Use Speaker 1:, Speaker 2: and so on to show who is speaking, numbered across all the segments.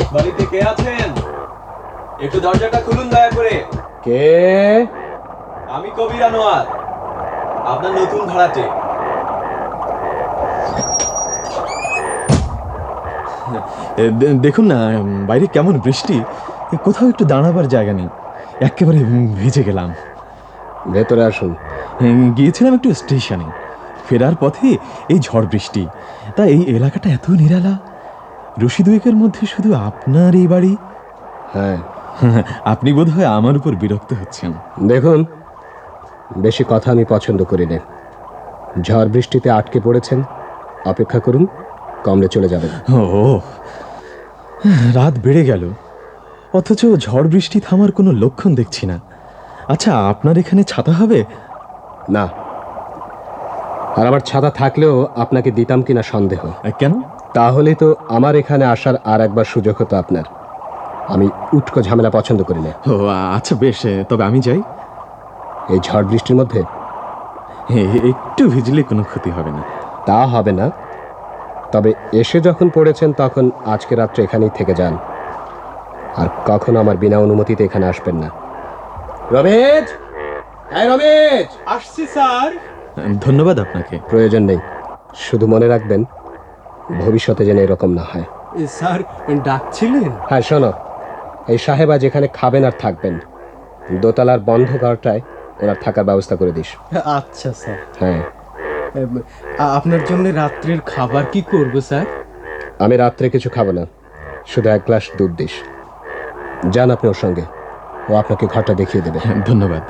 Speaker 1: বাড়িতে কে আছেন? একটু দরজাটা খুলুন দয়া করে।
Speaker 2: কে?
Speaker 1: আমি কবির আনোয়ার, আপনার নতুন ভাড়াটে।
Speaker 3: দেখুন না, বাইরে কেমন বৃষ্টি, কোথাও একটু দাঁড়াবার জায়গা নেই, একেবারে ভিজে গেলাম।
Speaker 2: ভেতরে আসুন।
Speaker 3: গিয়েছিলাম একটু স্টেশনে, ফেরার পথে এই ঝড় বৃষ্টি, তা এই এলাকাটা এত নিরালা। রশিদুয়েকের মধ্যে শুধু আপনার এই বাড়ি।
Speaker 2: হ্যাঁ,
Speaker 3: আপনি বোধহয় আমার উপর বিরক্ত হচ্ছেন।
Speaker 2: দেখুন, বেশি কথা আমি পছন্দ করি না। ঝড় বৃষ্টিতে আটকে পড়েছেন, অপেক্ষা করুন, কমলে চলে যাবেন।
Speaker 3: ও, রাত বেড়ে গেল, অথচ ঝড় বৃষ্টি থামার কোনো লক্ষণ দেখছি না। আচ্ছা, আপনার এখানে ছাতা হবে?
Speaker 2: না, আর আমার ছাতা থাকলেও আপনাকে দিতাম কিনা সন্দেহ।
Speaker 3: কেন?
Speaker 2: তাহলেই তো আমার এখানে আসার আর একবার সুযোগ হতো আপনার। আমি উটকো ঝামেলা পছন্দ করি না।
Speaker 3: ও আচ্ছা, বেশ, তবে আমি যাই।
Speaker 2: এই ঝড় বৃষ্টির মধ্যে
Speaker 3: একটু ভিজলে কোনো ক্ষতি হবে না।
Speaker 2: তা হবে না, তবে এসে যখন পড়েছেন তখন আজকে রাত্রে এখানেই থেকে যান, আর কখনো আমার বিনা অনুমতিতে এখানে আসবেন না। রমেশ, হ্যাঁ রমেশ।
Speaker 1: আসছি স্যার।
Speaker 3: ধন্যবাদ আপনাকে।
Speaker 2: প্রয়োজন নেই, শুধু মনে রাখবেন ভবিষ্যতে যেন এরকম না হয়।
Speaker 1: স্যার ডাকছিলেন?
Speaker 2: হ্যাঁ শোনো, এই সাহেবা যেখানে খাবেন আর থাকবেন, দোতলার বন্ধ ঘরটায় ওনার থাকার ব্যবস্থা করে দিস।
Speaker 1: আচ্ছা স্যার।
Speaker 2: হ্যাঁ,
Speaker 1: আপনার জন্য রাত্রের খাবার কি করব স্যার?
Speaker 2: আমি রাত্রে কিছু খাবো না, শুধু এক গ্লাস দুধ দিস। যান আপনি ওর সঙ্গে, ও আপনাকে ঘরটা দেখিয়ে দেবে।
Speaker 3: ধন্যবাদ।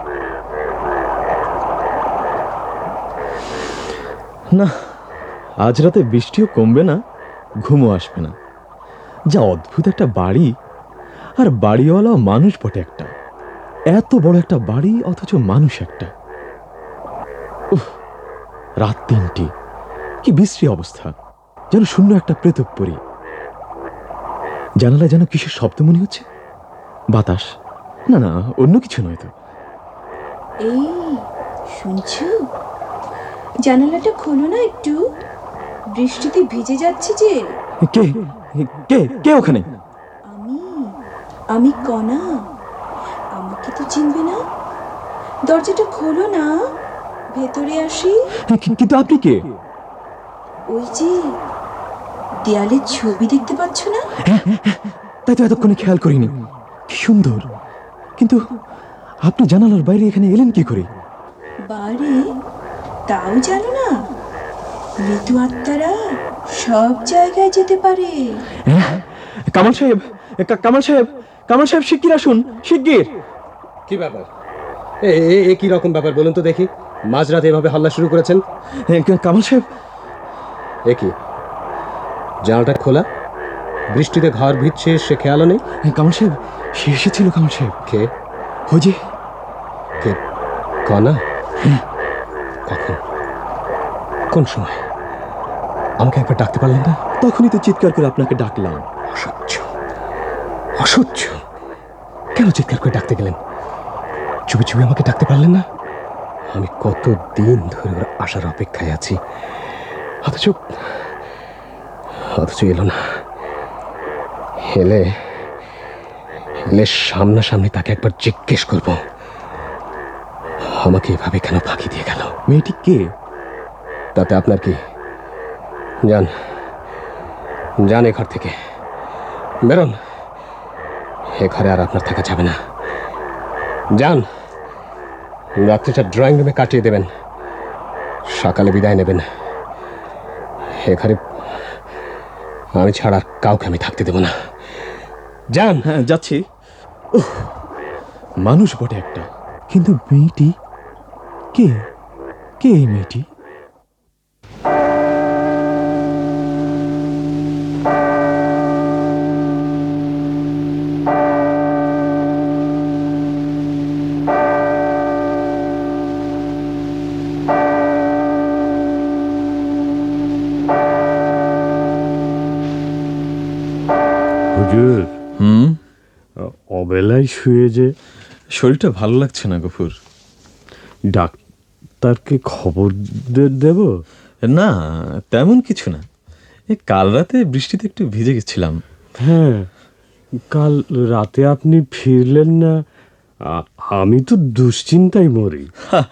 Speaker 3: না, আজ রাতে বৃষ্টিও কমবে না, ঘুমও আসবে না। যা অদ্ভুত একটা বাড়ি, আর বাড়িওয়ালাও মানুষ বটে একটা। এত বড় একটা বাড়ি, অথচ মানুষ একটা। উফ, রাত 3টে, কি বিশ্রী অবস্থা, যেন শূন্য একটা প্রেতপুরী। জানালায় যেন কিসের শব্দ মনে হচ্ছে। বাতাস? না না, অন্য কিছু নয় তো।
Speaker 4: এই শুনছো, জানালাটা খোলো না একটু, বৃষ্টিতে ভিজে যাচ্ছে যে।
Speaker 3: কে কে কে ওখানে?
Speaker 4: আমি আমি কণা, আমাকে তো চিনবে না? দরজাটা খোলো না, ভেতরে আসি।
Speaker 3: কিন্তু আপনি কে?
Speaker 4: ওই যে দেয়ালের ছবি দেখতে পাচ্ছ না?
Speaker 3: তাই তো এতক্ষণে খেয়াল করিনি। কি সুন্দর, কিন্তু আপনি জানালার বাইরে এখানে এলেন কি করে?
Speaker 4: বারে, তাও জানো না? মৃত্যু আত্মারা সব জায়গায় যেতে পারে।
Speaker 3: কামাল সাহেব, কামাল সাহেব, কামাল সাহেব, শিগগির আসুন, শিগগির।
Speaker 2: কি ব্যাপার? এ কি রকম ব্যাপার বলুন তো দেখি, মাঝরাতে এভাবে হাল্লা শুরু করেছেন?
Speaker 3: কামাল সাহেব।
Speaker 2: এ কি, জানালাটা খোলা, বৃষ্টিতে ঘর ভিজছে, সে খেয়ালও নেই?
Speaker 3: কামাল সাহেব, সে এসেছিল। কামাল সাহেব।
Speaker 2: কে?
Speaker 3: ওই যে।
Speaker 2: কে? কণা? কখন? কোন সময়? আমাকে একবার ডাকতে পারলেন না?
Speaker 3: তখনই তো চিৎকার করে আপনাকে ডাকলাম।
Speaker 2: অসহ্য, অসহ্য। কেন চিৎকার করে ডাকতে গেলেন? চুপি চুপি আমাকে ডাকতে পারলেন না? আমি কত দিন ধরে ওর আসার অপেক্ষায় আছি, অথচ এলো না। এলে সামনাসামনি তাকে একবার জিজ্ঞেস করব, আমাকে এভাবে কেন ফাঁকি দিয়ে গেল।
Speaker 3: মেয়েটি কে?
Speaker 2: তাতে আপনার কি? যান, যান এ ঘর থেকে, বেরোন। এ ঘরে আর আপনার থাকা যাবে না। যান, রাত্রিটা ড্রয়িং রুমে কাটিয়ে দেবেন, সকালে বিদায় নেবেন। এ ঘরে আমি ছাড়া আর কাউকে আমি থাকতে দেব না। যান।
Speaker 3: হ্যাঁ, যাচ্ছি। মানুষ বটে একটা, কিন্তু মেয়েটি কে? কে এই মেয়েটি?
Speaker 5: হুজুর, অবেলায় শুয়ে যে
Speaker 3: শরীরটা ভালো লাগছে না গফুর।
Speaker 5: ডাক্তারকে খবর দেব?
Speaker 3: না, তেমন কিছু না। কাল রাতে বৃষ্টিতে একটু ভিজে গেছিলাম,
Speaker 5: হ্যাঁ, কাল রাতে আপনি ফিরলেন না। আমি তো দুশ্চিন্তায় মরি।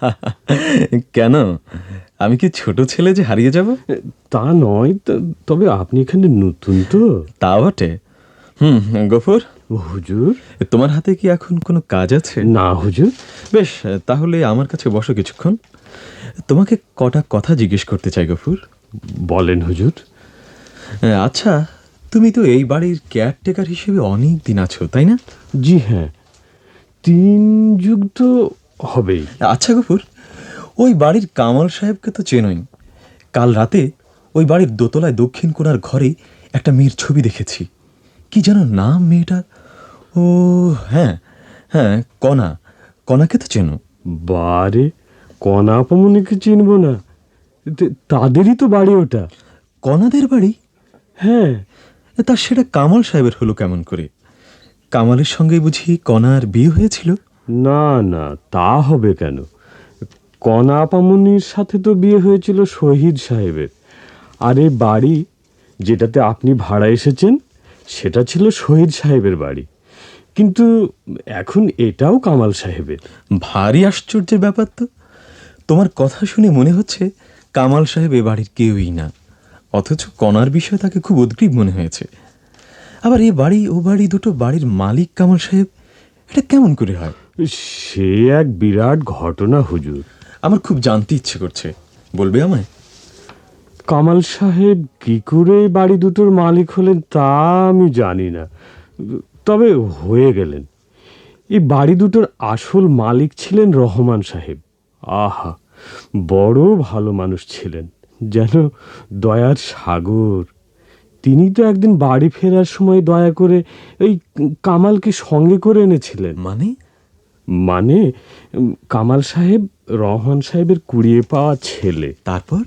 Speaker 3: কেন, আমি কি ছোট ছেলে যে হারিয়ে যাব?
Speaker 5: তা নয়, তবে আপনি এখানে নতুন তো।
Speaker 3: তা বটে। গফুর,
Speaker 5: হুজুর।
Speaker 3: তোমার হাতে কি এখন কোনো কাজ আছে?
Speaker 5: না হুজুর।
Speaker 3: বেশ, তাহলে আমার কাছে বসো কিছুক্ষণ। তোমাকে কটা কথা জিজ্ঞেস করতে চাই গফুর।
Speaker 5: বলেন হুজুর।
Speaker 3: আচ্ছা, তুমি তো এই বাড়ির কেয়ারটেকার হিসেবে অনেক দিন আছো, তাই না?
Speaker 5: জি হ্যাঁ, 3 যুগ তো হবেই।
Speaker 3: আচ্ছা গফুর, ওই বাড়ির কামাল সাহেবকে তো চেনোই। কাল রাতে ওই বাড়ির দোতলায় দক্ষিণ কোণার ঘরে একটা মেয়ের ছবি দেখেছি। কি যেন নাম মেয়েটার? ও হ্যাঁ হ্যাঁ, কণা। কণাকে তো চেনো?
Speaker 5: বারে, কণা আপামনিকে চিনব না? তাদেরই তো বাড়ি ওটা।
Speaker 3: কণাদের বাড়ি?
Speaker 5: হ্যাঁ।
Speaker 3: তা সেটা কামাল সাহেবের হলো কেমন করে? কামালের সঙ্গে বুঝি কণার বিয়ে হয়েছিল?
Speaker 5: না না, তা হবে কেন? কণা আপামনির সাথে তো বিয়ে হয়েছিল শহীদ সাহেবের। আর এই বাড়ি যেটাতে আপনি ভাড়া এসেছেন, সেটা ছিল শহীদ সাহেবের বাড়ি, কিন্তু এখন এটাও কামাল সাহেবের।
Speaker 3: ভারী আশ্চর্যের ব্যাপার তো। তোমার কথা শুনে মনে হচ্ছে কামাল সাহেব এ বাড়ির কেউই না, অথচ কণার বিষয়ে তাকে খুব উদ্গ্রীব মনে হয়েছে। আবার এ বাড়ি ও বাড়ি দুটো বাড়ির মালিক কামাল সাহেব, এটা কেমন করে হয়?
Speaker 5: সে এক বিরাট ঘটনা হুজুর।
Speaker 3: আমার খুব জানতে ইচ্ছে করছে, বলবে আমায়?
Speaker 5: কামাল সাহেব কি করে এই বাড়ি দুটোর মালিক হলেন তা আমি জানি না, তবে হয়ে গেলেন। এই বাড়ি দুটোর আসল মালিক ছিলেন রহমান সাহেব। আহা, বড় ভালো মানুষ ছিলেন, যেন দয়ার সাগর। তিনি তো একদিন বাড়ি ফেরার সময় দয়া করে এই কামালকে সঙ্গে করে এনেছিলেন। মানে কামাল সাহেব রহমান সাহেবের কুড়িয়ে পাওয়া ছেলে।
Speaker 3: তারপর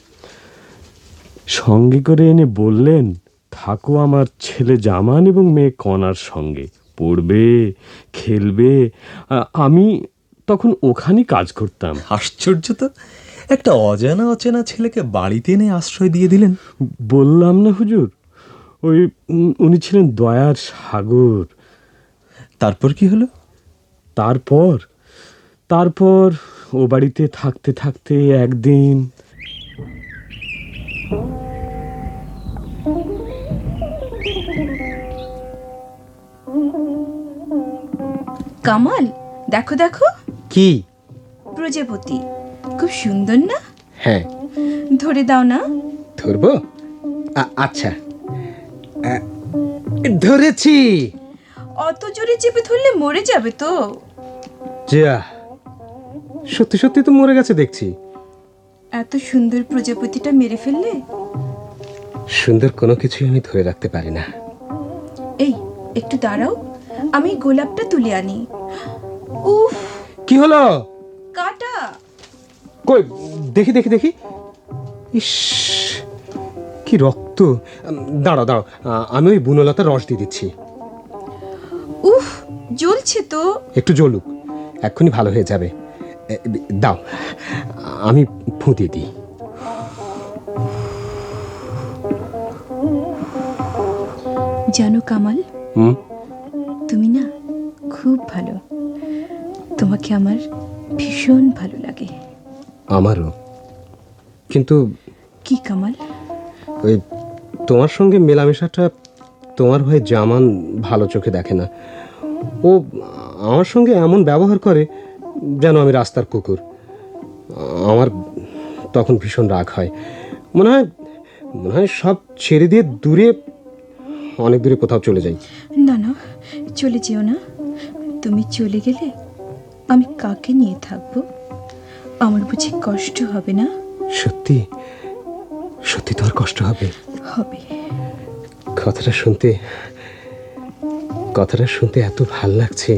Speaker 5: সঙ্গে করে এনে বললেন, থাকো আমার ছেলে জামান এবং মেয়ে কণার সঙ্গে, পড়বে, খেলবে। আমি তখন ওখানেই কাজ করতাম।
Speaker 3: আশ্চর্য তো, একটা অজানা অচেনা ছেলেকে বাড়িতে এনে আশ্রয় দিয়ে দিলেন।
Speaker 5: বললাম না হুজুর, ওই উনি ছিলেন দয়ার সাগর।
Speaker 3: তারপর কি হলো?
Speaker 5: তারপর ও বাড়িতে থাকতে থাকতে একদিন
Speaker 4: কামাল, দেখো দেখো,
Speaker 2: কি?
Speaker 4: প্রজাপতি খুব সুন্দর না?
Speaker 2: হ্যাঁ।
Speaker 4: ধরে দাও না।
Speaker 2: ধরবো? আচ্ছা, ধরেছি।
Speaker 4: অত জোরে চেপে ধরলে মরে যাবে তো।
Speaker 2: যা, সত্যি সত্যি তো মরে গেছে দেখছি।
Speaker 4: এত সুন্দর প্রজাপতিটা মেরে ফেললে?
Speaker 2: সুন্দর কোনো কিছুই আমি ধরে রাখতে পারি না।
Speaker 4: এই একটু দাঁড়াও, আমি গোলাপটা তুলে আনি। উফ,
Speaker 2: কি হলো?
Speaker 4: কাটা।
Speaker 2: কই, দেখি দেখি দেখি। ইস, কি রক্ত! দাঁড়াও দাঁড়াও, আমি ওই বুনলতার রস দিয়ে দিচ্ছি।
Speaker 4: উফ, জ্বলছে তো।
Speaker 2: একটু জ্বলুক, এক্ষুনি ভালো হয়ে যাবে। দাও, আমি ফুঁ দিয়ে দিই।
Speaker 4: জানো কামাল, তুমি না খুব ভালো। তোমাকে আমার ভীষণ ভালো লাগে।
Speaker 2: আমারও। কিন্তু
Speaker 4: কি কামাল?
Speaker 2: ওই তোমার সঙ্গে মেলামেশাটা তোমার ভাই জামান ভালো চোখে দেখে না। ও আমার সঙ্গে এমন ব্যবহার করে যেন আমি রাস্তার কুকুর। আমার তখন ভীষণ রাগ হয়। মনে হয় সব ছেড়ে দিয়ে অনেক দূরে কোথাও চলে যাই।
Speaker 4: না না, চলে যেও না। তুমি চলে গেলে আমি কাকে নিয়ে থাকবো? আমার বুঝি কষ্ট হবে না?
Speaker 2: সত্যি সত্যি তোর কষ্ট হবে?
Speaker 4: হবে।
Speaker 2: কথাটা শুনতে এত ভাল লাগছে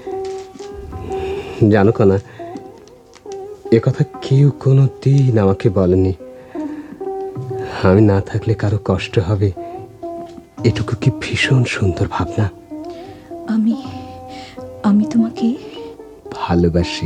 Speaker 2: জানো কনা, এ কথা কেউ কোনো দিন আমাকে বলেনি। আমি না থাকলে কারো কষ্ট হবে, এটুকু কি ভীষণ সুন্দর ভাবনা।
Speaker 4: আমি তোমাকে
Speaker 2: ভালোবাসি।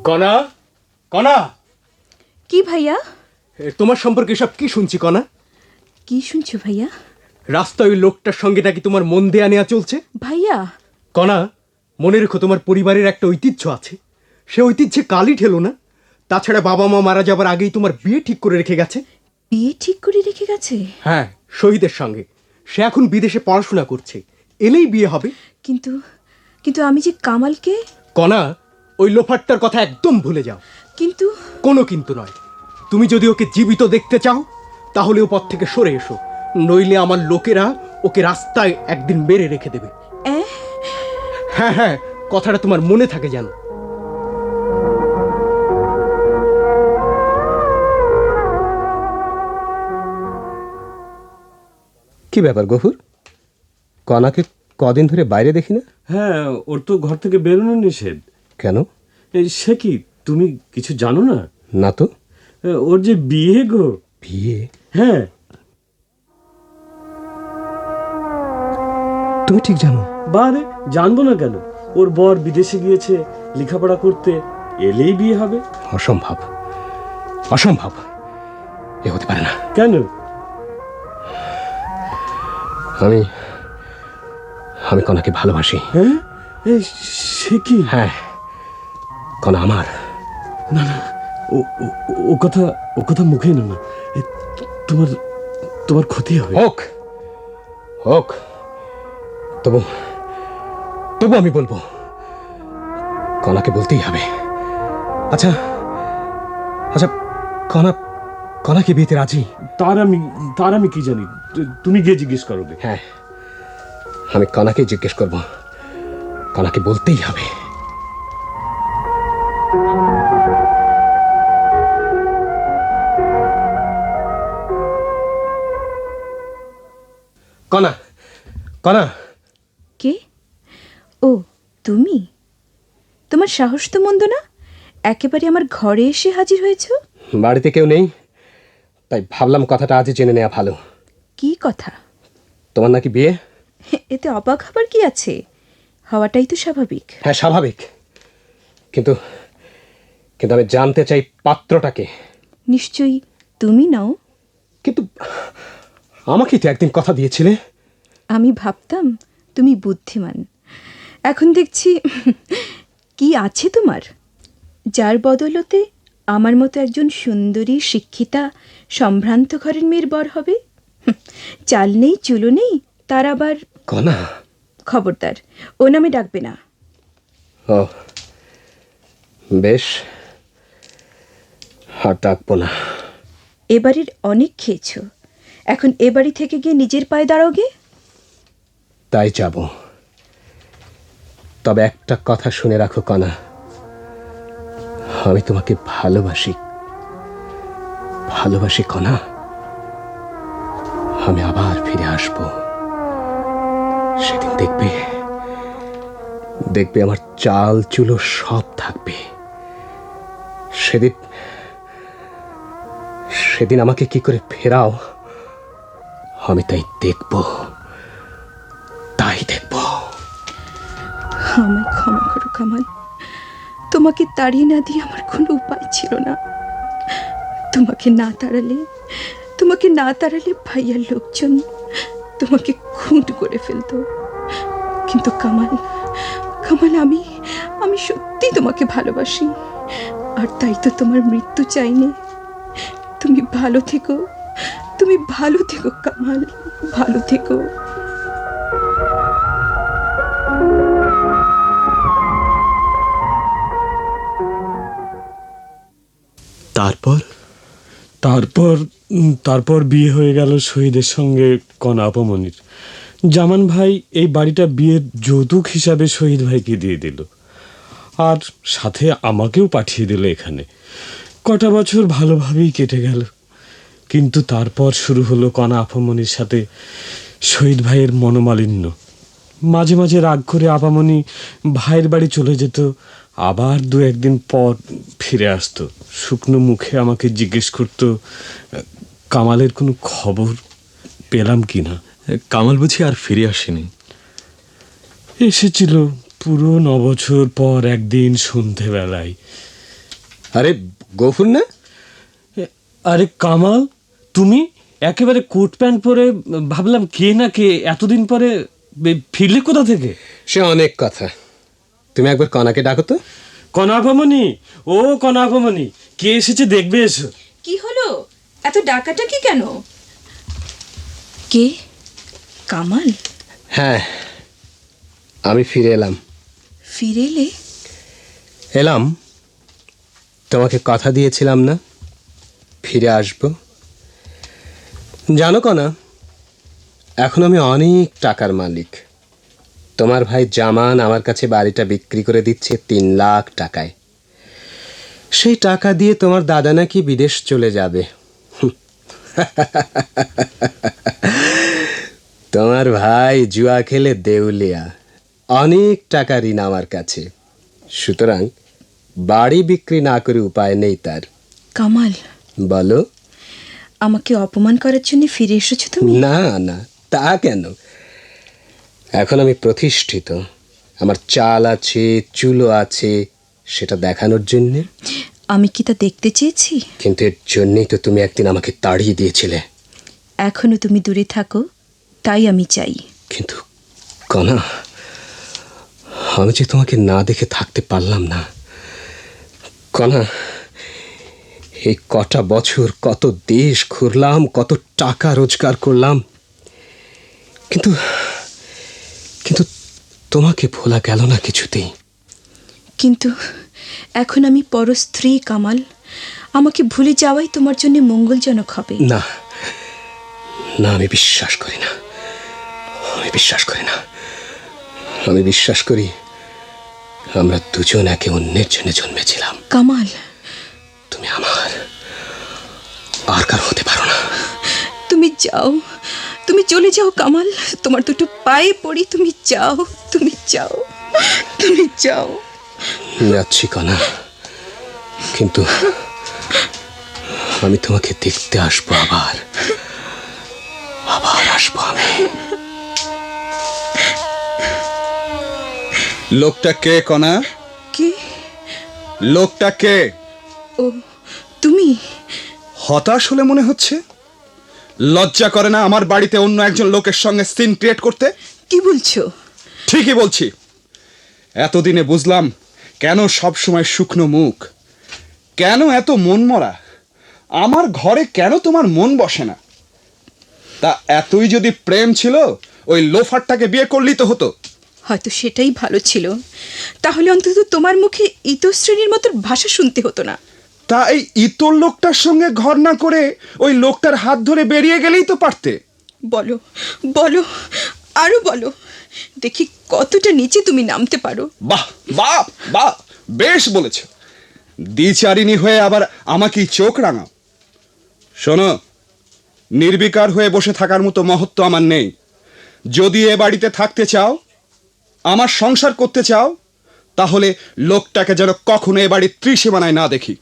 Speaker 2: কণা, কণা,
Speaker 4: কি ভাইয়া?
Speaker 2: তোমার সম্পর্কে সব কি শুনছি কণা?
Speaker 4: কি শুনছো ভাইয়া?
Speaker 2: রাস্তায় ওই লোকটার সঙ্গে নাকি তোমার মন দেয়া নেওয়া চলছে।
Speaker 4: ভাইয়া,
Speaker 2: কণা, মনে রেখো তোমার পরিবারের একটা ঐতিহ্য আছে, সে ঐতিহ্যে কালই ঠেলো না। তাছাড়া বাবা মা মারা যাবার আগেই তোমার বিয়ে ঠিক করে রেখে গেছে।
Speaker 4: বিয়ে ঠিক করে রেখে গেছে?
Speaker 2: হ্যাঁ, শহীদের সঙ্গে। সে এখন বিদেশে পড়াশোনা করছে, এলেই বিয়ে হবে।
Speaker 4: কিন্তু কিন্তু আমি যে কামালকে।
Speaker 2: কণা, ওই লোফারটার কথা একদম ভুলে যাও।
Speaker 4: কিন্তু
Speaker 2: কোনো কিন্তু নয়। তুমি যদি ওকে জীবিত দেখতে চাও তাহলে ও পথ থেকে সরে এসো, নইলে আমার লোকেরা ওকে রাস্তায় একদিন মেরে রেখে দেবে। হ্যাঁ হ্যাঁ, কথাটা তোমার মনে থাকে যেন। কি ব্যাপার গফুর, কণাকে কদিন ধরে বাইরে দেখি না?
Speaker 5: হ্যাঁ, ওর তো ঘর থেকে বেরোনো নিষেধ।
Speaker 2: কেন?
Speaker 5: সে কি, তুমি কিছু জানো না?
Speaker 2: না তো।
Speaker 5: ওর যে বিয়ে গো।
Speaker 2: বিয়ে?
Speaker 5: হ্যাঁ।
Speaker 2: তুমি ঠিক জানো?
Speaker 5: বারে, জানবো না কেন? ওর বর বিদেশে গিয়েছে লেখাপড়া করতে, এলেই বিয়ে হবে।
Speaker 2: অসম্ভব, অসম্ভব, এ হতে পারে না।
Speaker 5: কেন?
Speaker 2: আমি আমি কণাকে ভালোবাসি।
Speaker 5: হ্যাঁ? সে কি?
Speaker 2: হ্যাঁ, কণা আমার।
Speaker 5: না না, ও কথা, ও কথা মুখে না। তোমার তোমার ক্ষতি হবে।
Speaker 2: হোক হোক, তবু তবু আমি বলবো, কণাকে বলতেই হবে। আচ্ছা আচ্ছা, কণা কণা কি বিয়েতে রাজি?
Speaker 5: তার আমি কি জানি? তুমি গিয়ে জিজ্ঞেস করো।
Speaker 2: হ্যাঁ, আমি কণাকে জিজ্ঞেস করব, কণাকে বলতেই হবে। কণা, কণা।
Speaker 4: কে? ও তুমি? তোমার সাহস তো মন্দ না, একেবারে আমার ঘরে এসে হাজির হয়েছো।
Speaker 2: বাড়িতে কেউ নেই, তাই ভাবলাম কথাটা আজই জেনে নেওয়া ভালো।
Speaker 4: কি কথা?
Speaker 2: তোমার নাকি বিয়ে?
Speaker 4: এতে অবাক হবার কি আছে? হওয়াটাই তো স্বাভাবিক।
Speaker 2: হ্যাঁ, স্বাভাবিক, কিন্তু কিন্তু আমি জানতে চাই পাত্রটাকে।
Speaker 4: নিশ্চয়ই তুমি নাও।
Speaker 2: কিন্তু আমাকে তো একদিন কথা দিয়েছিলে।
Speaker 4: আমি ভাবতাম তুমি বুদ্ধিমান, এখন দেখছি কি আছে তোমার, যার বদলতে আমার মতো একজন সুন্দরী শিক্ষিতা সম্ভ্রান্ত ঘরের মেয়ের বর হবে। চাল নেই চুলো নেই, তার আবার।
Speaker 2: কণা,
Speaker 4: খবরদার, ও নামে ডাকবে না।
Speaker 2: ও বেশ, আর ডাকবো না।
Speaker 4: এবারের অনেক খেয়েছ, এখন এ বাড়ি থেকে গিয়ে নিজের পায়ে দাঁড়াওগে।
Speaker 2: তাই যাব। তবে একটা কথা শুনে রাখো কণা, আমি তোমাকে ভালোবাসি, ভালোবাসি কণা। আমি আবার ফিরে আসব, সেদিন দেখবে, দেখবে আমার চাল চুলো সব থাকবে। সেদিন সেদিন আমাকে কি করে ফেরাও, আমি তাই দেখব, তাই দেখব।
Speaker 4: আমায় ক্ষমা করো কামাল, তোমাকে তাড়িয়ে না দিয়ে আমার কোনো উপায় ছিল না। তোমাকে না তাড়ালে ভাইয়ার লোকজন তোমাকে খুন করে ফেলতো। কিন্তু কামাল, আমি সত্যি তোমাকে ভালোবাসি, আর তাই তো তোমার মৃত্যু চাইনি। তুমি ভালো থেকো, তুমি ভালো থেকো কামাল, ভালো থেকো।
Speaker 1: তারপর
Speaker 5: তারপর তারপর বিয়ে হয়ে গেল শহীদের সঙ্গে কণা আপামনির। জামান ভাই এই বাড়িটা বিয়ের যৌতুক হিসাবে শহীদ ভাইকে দিয়ে দিল, আর সাথে আমাকেও পাঠিয়ে দিল এখানে। কটা বছর ভালোভাবেই কেটে গেল, কিন্তু তারপর শুরু হলো কণা আপামনির সাথে শহীদ ভাইয়ের মনোমালিন্য। মাঝে মাঝে রাগ করে আপামনি ভাইয়ের বাড়ি চলে যেত, আবার দু একদিন পর ফিরে আসতো। শুকনো মুখে আমাকে জিজ্ঞেস করতো কামালের কোনো খবর পেলাম কি না।
Speaker 3: কামাল বুঝি আর ফিরে আসেনি?
Speaker 5: এসেছিল পুরো 9 বছর পর একদিন সন্ধেবেলায়।
Speaker 2: আরে গফুর না?
Speaker 5: আরে কামাল, তুমি একেবারে কোট প্যান্ট পরে, ভাবলাম কে না কে এতদিন পরে ফিরলে কোথা থেকে?
Speaker 2: সে অনেক কথা। তুমি একবার কনাকে ডাকো তো।
Speaker 5: কনাকমণি, ও কনাকমণি, কে এসেছে দেখবে এসো।
Speaker 4: কি হলো, এত ডাকাটাকি কেন? কে? কামাল?
Speaker 2: হ্যাঁ, আমি ফিরে এলাম।
Speaker 4: ফিরে এলে?
Speaker 2: এলাম, তোমাকে কথা দিয়েছিলাম না ফিরে আসবো। জানো কনা, এখন আমি অনেক টাকার মালিক। তোমার ভাই জামান আমার কাছে বাড়িটা বিক্রি করে দিচ্ছে 3 লাখ টাকায়। সেই টাকা দিয়ে তোমার দাদা নাকি বিদেশ চলে যাবে। তোমার ভাই জুয়া খেলে দেউলিয়া, অনেক টাকা ঋণ আমার কাছে। সুতরাং বাড়ি বিক্রি না করে উপায় নেই তার।
Speaker 4: কামাল,
Speaker 2: বলো।
Speaker 4: আমাকে অপমান করার জন্য ফিরে এসেছো তুমি?
Speaker 2: না না, তা কেন? এখন আমি প্রতিষ্ঠিত, আমার চাল আছে, চুলো আছে, সেটা দেখানোর জন্যে।
Speaker 4: আমি কি তা দেখতে চেয়েছি?
Speaker 2: কিন্তু এর জন্যই তো তুমি একদিন আমাকে তাড়িয়ে দিয়েছিলে।
Speaker 4: এখনো তুমি দূরে থাকো, তাই আমি চাই।
Speaker 2: কিন্তু কনা, আমি যে তোমাকে না দেখে থাকতে পারলাম না। কনা, এই কটা বছর কত দেশ ঘুরলাম, কত টাকা রোজগার করলাম, কিন্তু কিন্তু তোমাকে ভোলা গেল না কিছুতেই।
Speaker 4: কিন্তু এখন আমি পরস্ত্রী কামাল, আমাকে ভুলে যাওয়াই তোমার জন্য মঙ্গলজনক হবে।
Speaker 2: না না, আমি বিশ্বাস করি না, আমি বিশ্বাস করি না। আমি বিশ্বাস করি আমরা দুজন একে অন্যের জন্য জন্মেছিলাম।
Speaker 4: কামাল,
Speaker 2: তুমি আমার, আর কার হতে পারো না।
Speaker 4: তুমি যাও, তুমি চলে যাও কামাল, তোমার দুটো পায়ে পড়ি, তুমি যাও, তুমি যাও, তুমি যাও।
Speaker 2: যাচ্ছি কনা, কিন্তু আমি তোমাকে দেখতে আসবো, আবার আবার আসবো আমি।
Speaker 6: লোকটা কে কনা?
Speaker 4: কে?
Speaker 6: লোকটা কে?
Speaker 4: ও তুমি?
Speaker 6: হতাশ হলে মনে হচ্ছে। লজ্জা করে না আমার বাড়িতে অন্য একজন লোকের সঙ্গে সিন ক্রিয়েট করতে?
Speaker 4: কি বলছো?
Speaker 6: ঠিকই বলছি। এতদিনে বুঝলাম কেন সব সময় শুকনো মুখ, কেন এত মন মরা। আমার ঘরে কেন তোমার মন বসে না? তা এতই যদি প্রেম ছিল, ওই লোফারটাকে বিয়ে করলেই তো হতো।
Speaker 4: হয়তো সেটাই ভালো ছিল, তাহলে অন্তত তোমার মুখে ইতশ্রেণীর মতো ভাষা শুনতে হতো না।
Speaker 6: তা এই ইতর লোকটার সঙ্গে ঘর না করে ওই লোকটার হাত ধরে বেরিয়ে গেলেই তো পারতে।
Speaker 4: বলো, বলো, আরো বলো, দেখি কতটা নিচে তুমি নামতে পারো।
Speaker 6: বাহ বাহ বাহ, বেশ বলেছ। দ্বিচারিণী হয়ে আবার আমাকেই চোখ রাঙাও। শোনো, নির্বিকার হয়ে বসে থাকার মতো মহত্ব আমার নেই। যদি এ বাড়িতে থাকতে চাও, আমার সংসার করতে চাও, তাহলে লোকটাকে যেন কখনো এ বাড়ির ত্রিসীমানায় না দেখি।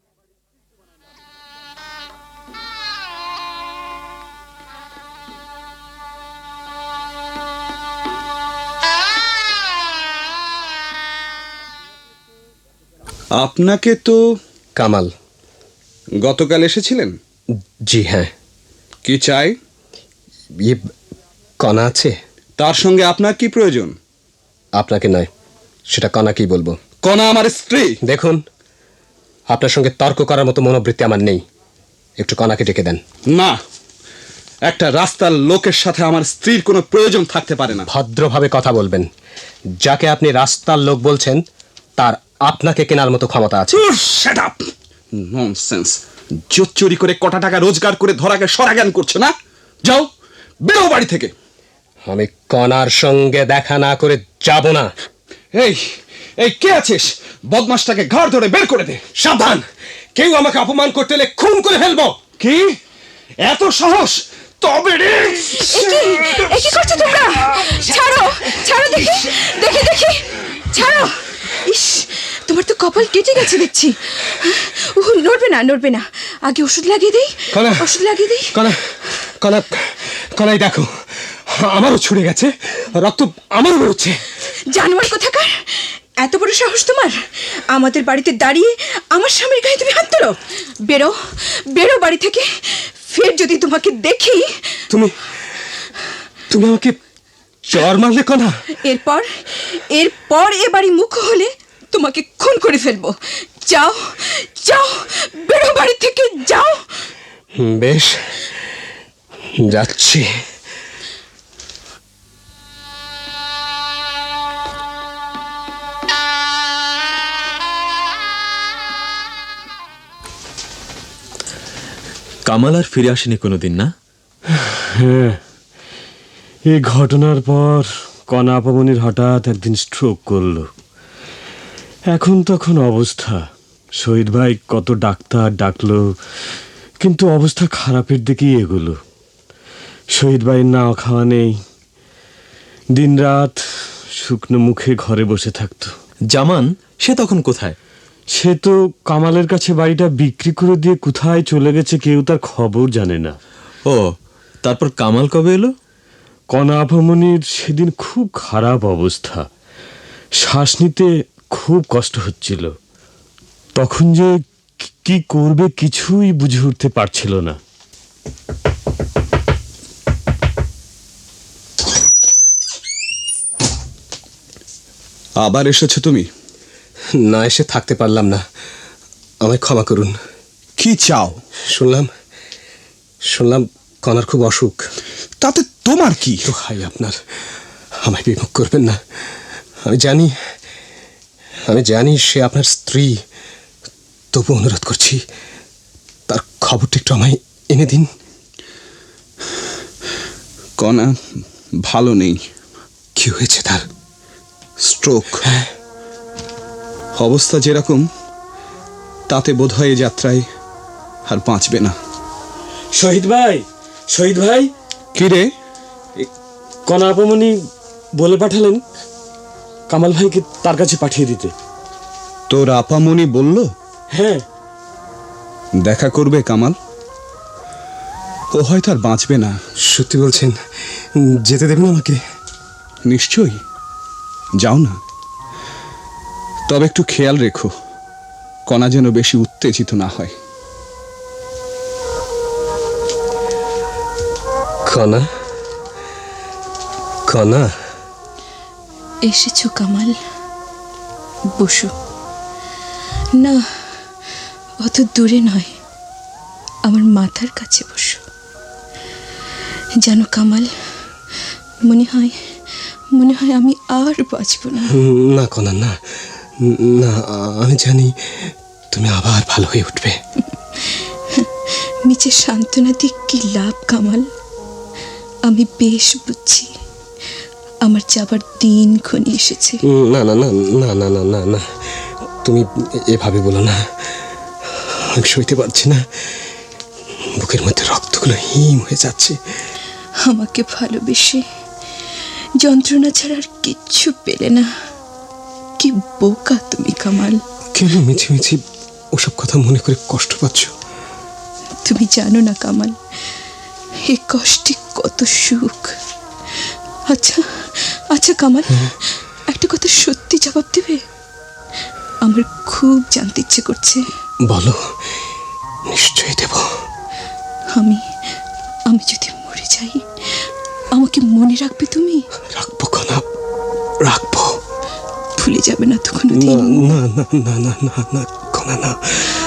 Speaker 6: আপনাকে তো
Speaker 2: কামাল।
Speaker 6: গতকাল এসেছিলেন?
Speaker 2: জি হ্যাঁ।
Speaker 6: কি চাই?
Speaker 2: ইয়ে, কনা আছে?
Speaker 6: তার সঙ্গে আপনার কি প্রয়োজন?
Speaker 2: আপনাকে নয়, সেটা কনাকেই বলবো।
Speaker 6: কনা আমার স্ত্রী।
Speaker 2: দেখুন, আপনার সঙ্গে তর্ক করার মতো মনোবৃত্তি আমার নেই। একটু কনাকে ডেকে দেন।
Speaker 6: না, একটা রাস্তার লোকের সাথে আমার স্ত্রীর কোনো প্রয়োজন থাকতে পারে না।
Speaker 2: ভদ্রভাবে কথা বলবেন। যাকে আপনি রাস্তার লোক বলছেন, তার আপনাকে কেনার মতো ক্ষমতা আছে।
Speaker 6: Shut up, nonsense. জোর চুরি করে কটা টাকা রোজগার করে ধরাকে সরাজ্ঞান করছে না? যাও, বেরো বাড়ি থেকে।
Speaker 2: আমি কনার সঙ্গে দেখা না করে যাব না।
Speaker 6: এই এই কে আছিস? বদমাসটাকে ঘাড় ধরে বের করে দে।
Speaker 2: সাবধান, কেউ আমাকে অপমান করতে এলে খুন করে ফেলবো।
Speaker 6: কি এত সাহস? তবে রে।
Speaker 4: এ কি করছো তোমরা? ছাড়ো, ছাড়ো, দেখি দেখি দেখি, ছাড়ো। ইস, তোমার তো কপাল কেটে গেছে দেখছি। নড়বে না, নড়বে না। আগে ওষুধ লাগিয়ে দিই,
Speaker 2: কনা,
Speaker 4: ওষুধ লাগিয়ে দিই।
Speaker 2: কনা, কনা, কনাই দেখো, আমারও ছুড়ে গেছে, রক্ত আমারও বেরোচ্ছে।
Speaker 4: জানোয়ার কোথাকার, এত বড় সাহস তোমার আমাদের বাড়িতে দাঁড়িয়ে আমার স্বামীর গায়ে তুমি হাত তোলো? বেরো বেরো বাড়ি থেকে। ফের যদি তোমাকে দেখি।
Speaker 2: তুমি তুমি আমাকে চর মারলে কণা?
Speaker 4: এরপর এরপর এ বাড়ি মুখ হলে তোমাকে খুন করে ফেলবো। যাও যাও, বেরো বাড়ি থেকে, যাও।
Speaker 2: বেশ, যাচ্ছি।
Speaker 3: কামাল আর ফিরে আসেনি কোনোদিন, না?
Speaker 5: হ্যাঁ, এই ঘটনার পর কণা আপামনির হঠাৎ একদিন স্ট্রোক করলো। এখন তখন অবস্থা, শহীদ ভাই কত ডাক্তার ডাকলো, কিন্তু অবস্থা খারাপের দিকেই এগুলো। শহীদ ভাইয়ের না খাওয়া নেই, দিনরাত শুকনো মুখে ঘরে বসে থাকতো।
Speaker 3: জামান সে তখন কোথায়?
Speaker 5: সে তো কামালের কাছে বাড়িটা বিক্রি করে দিয়ে কোথায় চলে গেছে, কেউ তার খবর জানে না।
Speaker 3: ও, তারপর কামাল কবে এলো?
Speaker 5: কণা আপামনির সেদিন খুব খারাপ অবস্থা, শ্বাস নিতে খুব কষ্ট হচ্ছিল। তখন যে কি করবে কিছুই বুঝে উঠতে পারছিল না।
Speaker 6: আবার এসেছো তুমি?
Speaker 2: না এসে থাকতে পারলাম না, আমায় ক্ষমা করুন।
Speaker 6: কি চাও?
Speaker 2: শুনলাম কণার খুব অসুখ।
Speaker 6: তাতে তোমার কি?
Speaker 2: তো হাই আপনার, আমায় বিমুখ করবেন না। আমি জানি সে আপনার স্ত্রী, তবু অনুরোধ করছি তার খবরটা একটু আমায় এনে দিন।
Speaker 6: কণা ভালো নেই।
Speaker 2: কি হয়েছে তার?
Speaker 6: স্ট্রোক। অবস্থা যেরকম তাতে বোধহয় এ যাত্রায় আর বাঁচবে না।
Speaker 5: শহীদ ভাই,
Speaker 6: কি রে?
Speaker 5: কণা আপামনি বলে পাঠালেন কামাল ভাইকে তার কাছে পাঠিয়ে দিতে।
Speaker 6: তোর আপামনি বলল?
Speaker 5: হ্যাঁ।
Speaker 6: দেখা করবে কামাল? ও হয়তো আর বাঁচবে না।
Speaker 2: সত্যি বলছেন? যেতে দেবেন আমাকে?
Speaker 6: নিশ্চয়ই, যাও না। তবে একটু খেয়াল রেখো কণা যেন বেশি উত্তেজিত না হয়।
Speaker 2: কণা, কণা।
Speaker 4: এসেছো কামাল, বসো। না, অত দূরে নয়, আমার মাথার কাছে বসো। জানো কামাল, মনে হয় আমি আর বাঁচব না।
Speaker 2: না কণা, না না, আমি জানি তুমি আবার ভালো হয়ে উঠবে।
Speaker 4: নিচে সান্ত্বনা দিয়ে কি লাভ কামাল? আমি বেশ বুঝছি আমার যাবার দিন ঘনিয়ে এসেছে।
Speaker 2: না না না না না না না না, তুমি এভাবে বলো না, আমি সইতে পারছি না। বুকের মধ্যে রক্তগুলো হিম হয়ে যাচ্ছে।
Speaker 4: আমাকে ভালোবেসে যন্ত্রণা ছাড়া আর কিচ্ছু পেলে না। কি বোকা তুমি কামাল।
Speaker 2: কেন মিছি মিছি ওসব কথা মনে করে কষ্ট পাচ্ছ?
Speaker 4: তুমি জানো না কামাল, এ কষ্টে কত সুখ। আচ্ছা আচ্ছা কামাল, একটা কথা সত্যি জবাব দেবে? আমার খুব জানতে ইচ্ছে করছে।
Speaker 2: বলো, নিশ্চয়ই দেব।
Speaker 4: আমি যদি মরে যাই, আমাকে মনে রাখবে তুমি?
Speaker 2: রাখবো কণা, রাখবো।
Speaker 4: ভুলে যাবে না তো
Speaker 2: না
Speaker 4: কোনোদিন?
Speaker 2: না না না না না না কণা, না।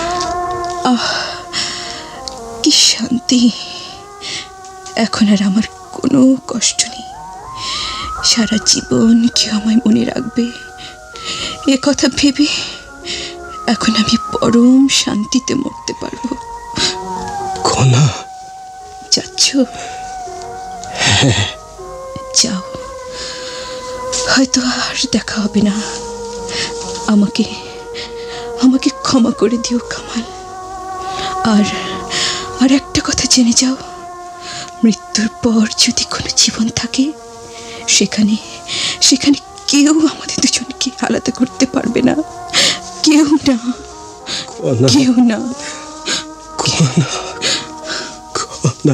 Speaker 4: কি শান্তি! এখন আর আমার কোনো কষ্ট নেই। সারা জীবন কেউ আমায় মনে রাখবে, এ কথা ভেবে এখন আমি পরম শান্তিতে মরতে পারবো।
Speaker 2: কণা,
Speaker 4: যাচ্ছ? যাও, হয়তো আর দেখা হবে না। আমাকে ক্ষমা করে দিও কামাল। আর একটা কথা জেনে যাও, মৃত্যুর পর যদি কোনো জীবন থাকে, সেখানে কেউ আমাদের দুজনকে আলাদা করতে পারবে না। কেউ না, কেউ না।
Speaker 2: কণা, কণা।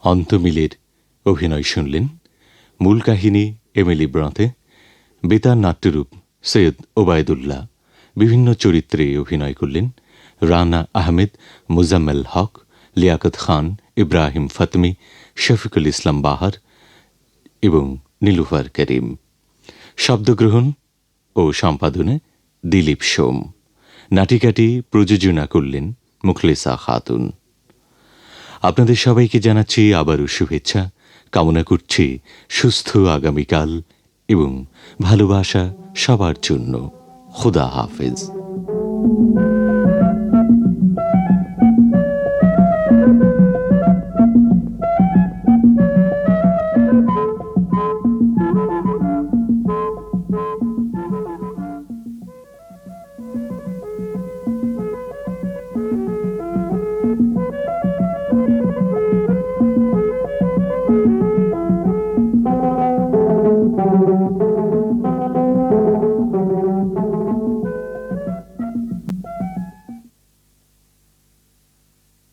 Speaker 7: অন্তমিলের অভিনয় শুনলেন। মূল কাহিনী এমিলি ব্রঁতে, বেতার নাট্যরূপ সৈয়দ ওবায়দুল্লাহ। বিভিন্ন চরিত্রে অভিনয় করলেন রানা আহমেদ, মুজাম্মেল হক, লিয়াকত খান, ইব্রাহিম ফাতমি, শফিকুল ইসলাম বাহার এবং নীলুফার করিম। শব্দগ্রহণ ও সম্পাদনে দিলীপ সোম। নাটিকাটি প্রযোজনা করলেন মুখলেসা খাতুন। আপনাদের সবাইকে জানাচ্ছি আবারও শুভেচ্ছা, কামনা করছি সুস্থ আগামীকাল এবং ভালোবাসা সবার জন্য। খুদা হাফেজ।